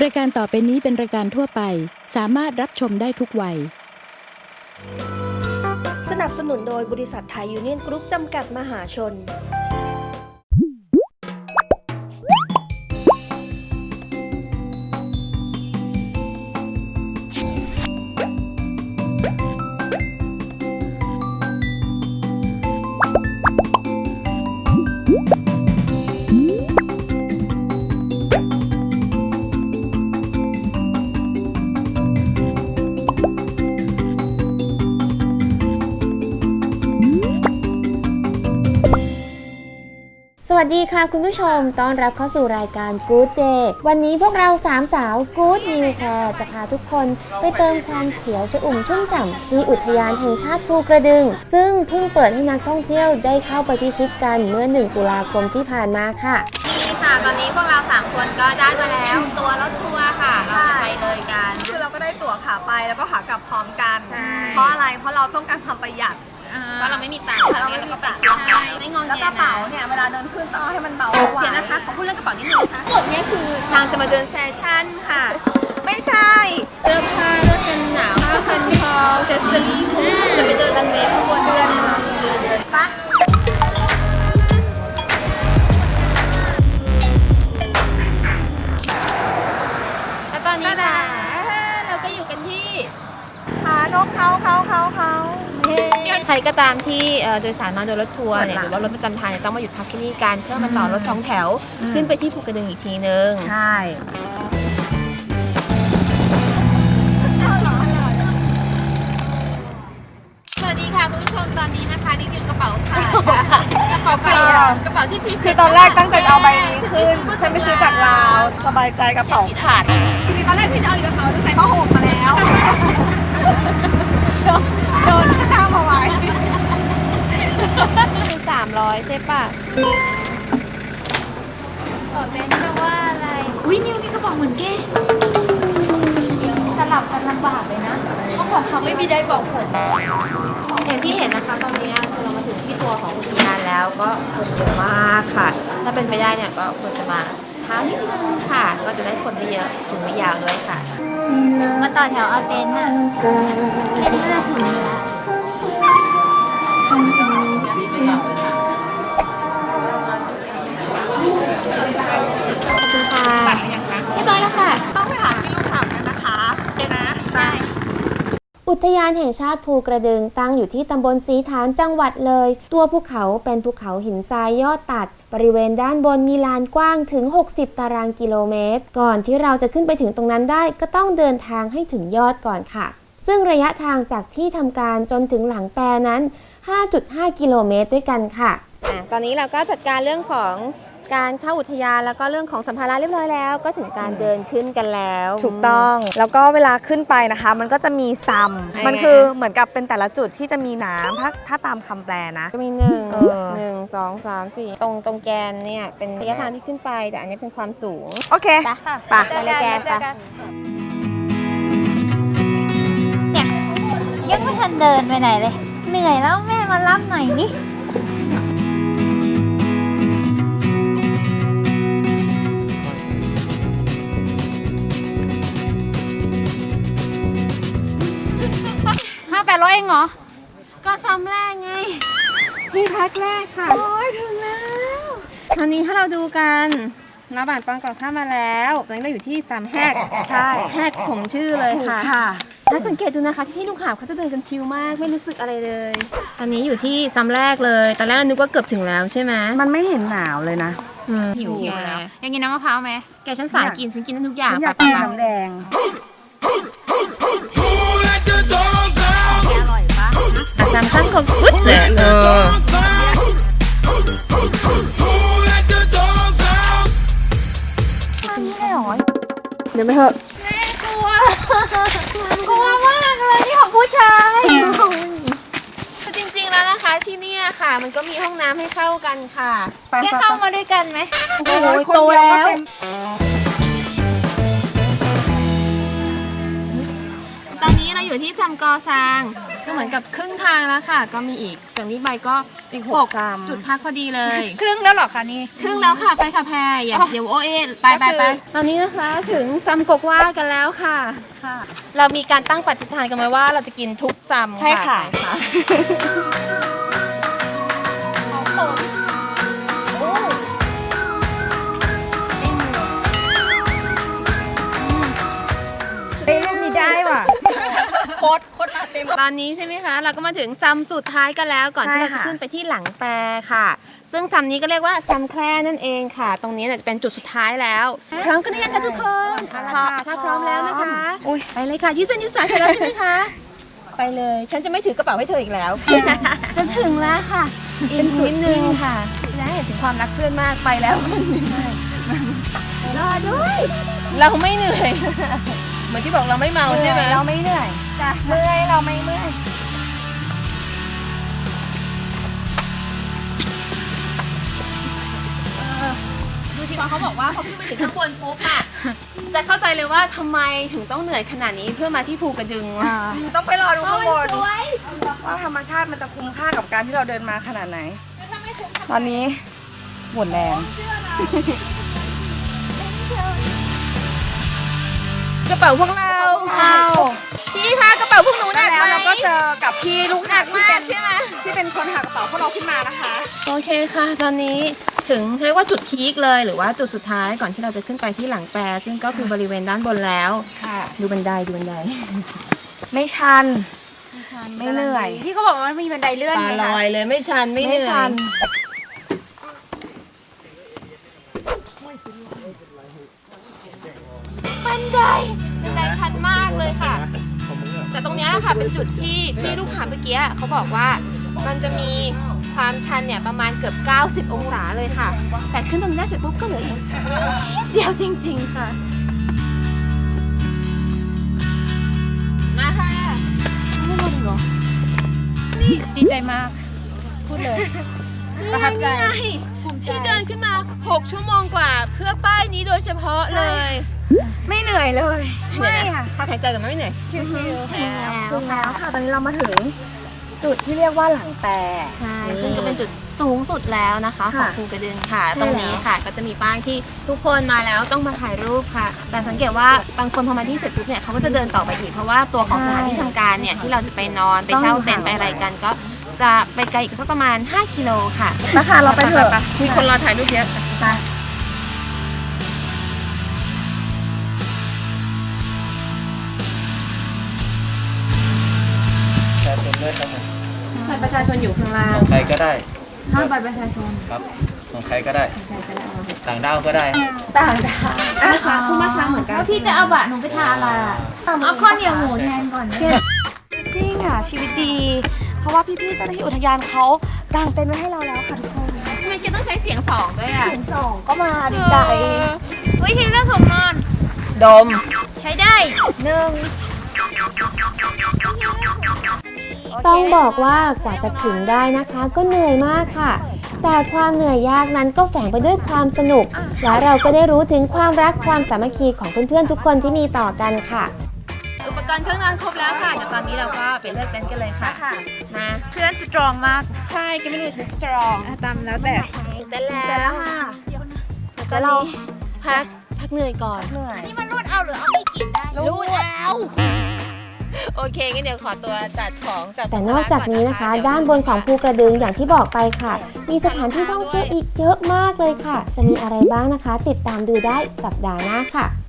รายการต่อไปนี้เป็นรายการทั่วไปสามารถรับชมได้ทุกวัยสนับสนุนโดยบริษัทไทยยูเนี่ยนกรุ๊ปจำกัดมหาชนสวัสดีค่ะคุณผู้ชมต้อนรับเข้าสู่รายการ Good Day วันนี้พวกเราสามสาว Good New Care จะพาทุกคนไปเติมความเขียวชอุ่มชุ่มฉ่ำที่อุทยานแห่งชาติภูกระดึงซึ่งเพิ่งเปิดให้นักท่องเที่ยวได้เข้าไปพิชิตกันเมื่อ1 ตุลาคมที่ผ่านมาค่ะนี่ค่ะตอนนี้พวกเรา3คนก็ได้มาแล้วตัวรถทัวร์ค่ะเราจะไปเลยกันคือเราก็ได้ตั๋วขาไปแล้วก็ขากลับพร้อมกันเพราะอะไรเพราะเราต้องการความประหยัดเพราะเราไม่มีตังค์เราก็ไปไม่งงเงียนะแล้วกระเป๋าเนี่ยเวลาเดินขึ้นต้องให้มันเบาเพียงนะคะขอพูดเรื่องกระเป๋านิดนึงนะคะกฎเนี่ยคือทางจะมาเดินแฟชั่นค่ะไม่ใช่เสื้อผ้าเสื้อกันหนาวผ้าพันคอเจสเตอรี่คุ้มจะไปเดินรันเวย์ข้างบนเดือนปะแล้วตอนนี้ค่ะเราก็อยู่กันที่หานกเขาใครก็ตามที่โดยสารมาโดยรถทัวร์เนี่ยหรือว่ารถประจำทางเนี่ยต้องมาหยุดพักที่นี่กันเพื่อมาต่อรถ2 แถวขึ้นไปที่ภูกระดึงอีกทีนึงใช่สวัสดีค่ะคุณผู้ชมตอนนี้นะคะนี่คือกระเป๋าค่ะกระเป๋าที่พรีเซนต์คือตอนแรกตั้งใจเอาใบนี้ขึ้นฉันไปซื้อจากลาวสบายใจกระเป๋าขาดจริงๆตอนแรกที่จะเอากระเป๋าจะใส่ผ้าห่มมาแล้วโดนข้ามเอาไว้คือ300ใช่ป่ะบอกเต้นจะว่าอะไรอุ้ยนิวมีกระเป๋าเหมือนแกสลับกันลำบากเลยนะเขาบอกเขาไม่มีได้บอกผลอย่างที่เห็นนะคะตอนนี้คือเรามาถึงที่ตัวของอุทยานแล้วก็คนเยอะมากค่ะถ้าเป็นไปได้เนี่ยก็ควรจะมาช้านิดนึงค่ะก็จะได้คนไม่เยอะถึงไม่ยาวด้วยค่ะมาต่อแถวเอาเต็นท์อ่ะเต็นท์น่าถึงแล้วขอบคุณค่ะเรียบร้อยแล้วค่ะต้องไปถามที่ลูกถามกันนะคะนะใช่อุทยานแห่งชาติภูกระดึงตั้งอยู่ที่ตำบลศรีฐานจังหวัดเลยตัวภูเขาเป็นภูเขาหินทรายยอดตัดบริเวณด้านบนมีลานกว้างถึง60 ตารางกิโลเมตรก่อนที่เราจะขึ้นไปถึงตรงนั้นได้ก็ต้องเดินทางให้ถึงยอดก่อนค่ะซึ่งระยะทางจากที่ทำการจนถึงหลังแปรนั้น 5.5 กิโลเมตรด้วยกันค่ะตอนนี้เราก็จัดการเรื่องของการเข้าอุทยานแล้วก็เรื่องของสัมภาระเรียบร้อยแล้วก็ถึงการเดินขึ้นกันแล้วถูกต้องแล้วก็เวลาขึ้นไปนะคะมันก็จะมีซัมมันคือเหมือนกับเป็นแต่ละจุดที่จะมีน้ำถ้าตามคำแปลนะก็มี1 2 3 4ตรงแกนเนี่ยเป็นระยะทางที่ขึ้นไปแต่อันนี้เป็นความสูงโอเคไปเลยแกนไปเนี่ยยังไม่ทันเดินไปไหนเลยเหนื่อยแล้วแม่มารับหน่อยดิ800เองเหรอก็ซ้ำแรกไงที่พักแรกค่ะโอ้ยถึงแล้วตอนนี้ถ้าเราดูกันน้าบานปางก่อนข้ามมาแล้วตอนนี้เราอยู่ที่3 แหกใช่แหกสมชื่อเลยค่ะถ้าสังเกตดูนะคะพี่ลูกหาบเขาจะเดินกันชิลมากไม่รู้สึกอะไรเลยตอนนี้อยู่ที่ซ้ำแรกเลยตอนแรกเรานึกว่าเกือบถึงแล้วใช่ไหมมันไม่เห็นหนาวเลยนะหิวแล้วยังกินน้ำมะพร้าวไหมแกฉันสายกินฉันกินทุกอย่างอยากกินน้ำแดงซ้ำก็กุ๊ดเลยเดี๋ยวไปเถอะแม่กลัวมากเลยที่ของผู้ชายจริงๆแล้วนะคะที่นี่ค่ะมันก็มีห้องน้ำให้เข้ากันค่ะแกเข้ามาด้วยกันไหมโอ้ยโตแล้วตอนนี้เราอยู่อยู่ที่ซัมกอซางก็เหมือนกับครึ่งทางแล้วค่ะ ก็มีอีกจากนี้ไปก็อีก6จุดพักพอดีเลยครึ่งแล้วเหรอคะนี่ครึ่งแล้วค่ะไปค่ะแพรอย่าเดี๋ยวโอเอไปตอนนี้นะคะถึงซัมกกว่ากันแล้วค่ะ เรามีการตั้งปฏิฐานกันไว้ว่าเราจะกินทุกซัมใช่ค่ะได้รูปนี้ได้ว่ะโคตรมาเต็มตอนนี้ใช่ไหมคะเราก็มาถึงซัมสุดท้ายกันแล้วก่อนที่เราจะขึ้นไปที่หลังแปรค่ะ ซึ่งซัมนี้ก็เรียกว่าซัมแคร่นั่นเองค่ะ ตรงนี้จะเป็นจุดสุดท้ายแล้วพร้อมกันหรือยังคะทุกคนเอาละค่ะถ้าพร้อมแล้วนะคะไปเลยค่ะยืดเส้นยืดสายเสร็จแล้วใช่ไหมคะไปเลยฉันจะไม่ถือกระเป๋าให้เธออีกแล้ว จะถึงแล้วค่ะอีกนิดนึงค่ะได้เห็นถึงความรักเพื่อนมากไปแล้วคนหนึ่งรอด้วยเราไม่เหนื่อยเหมือนที่บอกเราไม่เมาใช่ไหมเราไม่เหนื่อยจ้ะเมื่อยเราไม่เมื่อยดูสิเขาบอกว่าพอขึ้นไปถึงข้างบนปุ๊บอะจะเข้าใจเลยว่าทำไมถึงต้องเหนื่อยขนาดนี้เพื่อมาที่ภูกระดึงต้องไปรอดูข้างบนว่าธรรมชาติมันจะคุ้มค่ากับการที่เราเดินมาขนาดไหน ตอนนี้หมดแรงกระเป๋าพวกเราพี่คะกระเป๋าพวกหนูหนักแล้วไหมเราก็เจอกับพี่ลูกหนักมากใช่ไหมที่เป็นคนหากระเป๋าพวกเราขึ้นมานะคะโอเคค่ะ ตอนนี้ถึงเรียกว่าจุดพีคเลยหรือว่าจุดสุดท้ายก่อนที่เราจะขึ้นไปที่หลังแปรซึ่งก็คือบริเวณด้านบนแล้วค่ะดูบันไดไม่ชัน ไม่เหนื่อยที่เขาบอกว่ามันมีบันไดเลื่อนตาไงลคะอยเลยไม่ชันไม่เหไม่นื่อชัยนบันไดชันมากเลยค่ะ แต่ตรงเนี้ยค่ะเป็นจุดที่พี่ลูกหาบเมื่อกี้เขาบอกว่ามันจะมีความชันเนี่ยประมาณเกือบ90 องศาเลยค่ะ แต่ขึ้นตรงนี้ได้เสร็จปุ๊บก็เหลืออีกนิดเดียวจริงๆค่ะมาค่ะดีใจมาก พูดเลย ประทับใจที่เดินขึ้นมา6 ชั่วโมงกว่าเพื่อป้ายนี้โดยเฉพาะเลยไม่เหนื่อยเลยไม่ค่ะพักหายใจกันไม่เหนื่อยชิวถึงแล้วค่ะ ตอนนี้เรามาถึงจุดที่เรียกว่าหลังแปรใช่ซึ่งก็เป็นจุดสูงสุดแล้วนะคะของค่ะภูกระดึงค่ะใช่ตรงนี้ค่ะก็จะมีป้ายที่ทุกคนมาแล้วต้องมาถ่ายรูปค่ะ แต่สังเกตว่าบางคนพอมาที่เสร็จปุ๊บเนี่ยเขาก็จะเดินต่อไปอีกเพราะว่าตัวของสถานที่ทำการเนี่ยที่เราจะไปนอนไปเช่าเต็นท์ไปอะไรกัน ก็จะไปไกลอีกสักประมาณ5 กิโลค่ะนะคะเราไปเถอะมีคนรอถ่ายรูปเยอะประชาชนด้วยครับผมบัตรประชาชนอยู่ข้างล่างของใครก็ได้ห้ามบัตรประชาชนครับ ของใครก็ได้ ต่างด้าวก็ได้ต่างดาวมาช้าคู่มาช้าเหมือนกันแล้วพี่จะเอาบะหนูไปทานอะไรอะเอาข้าวเหนียวหมูแทนก่อนนะซิ่งอ่ะชีวิตดี เพราะว่าพี่ๆเจ้าหน้าที่อุทยานเขากางเต็นท์ไว้ให้เราแล้วค่ะทุกคนทำไมแกต้องใช้เสียง2ด้วยอ่ะเสียงสองก็มาดีใจวิธีเลือกของนอนดมใช้ได้หนึ่งต้องบอกว่ากว่าจะถึงได้นะคะ ก็เหนื่อยมากค่ะ แต่ความเหนื่อยยากนั้นก็แฝงไปด้วยความสนุก และเราก็ได้รู้ถึงความรักความสามัคคีของเพื่อนๆทุกคนที่มีต่อกันค่ะอุปกรณ์เครื่องนอนครบแล้วค่ะ เดี๋ยวตอนนี้เราก็ไปเลือกเต็นท์กันเลยค่ะ มาเพื่อนสตรองมากใช่ก็ไม่รู้ฉันสตรองตามแล้วแต่เต้นแล้วค่ะแต่เราพักเหนื่อยก่อนเหนื่อยนี่มันรูดเอาหรือเอาไม่กินได้รู้แล้ว โอเคงั้นเดี๋ยวขอตัวจัดของจัดแต่นอกจากนี้นะคะ ด้านบนของภูกระดึงอย่างที่บอกไปค่ะ มีสถานที่ท่องเที่ยวอีกเยอะมากเลยค่ะ จะมีอะไรบ้างนะคะ ติดตามดูได้สัปดาห์หน้าค่ะ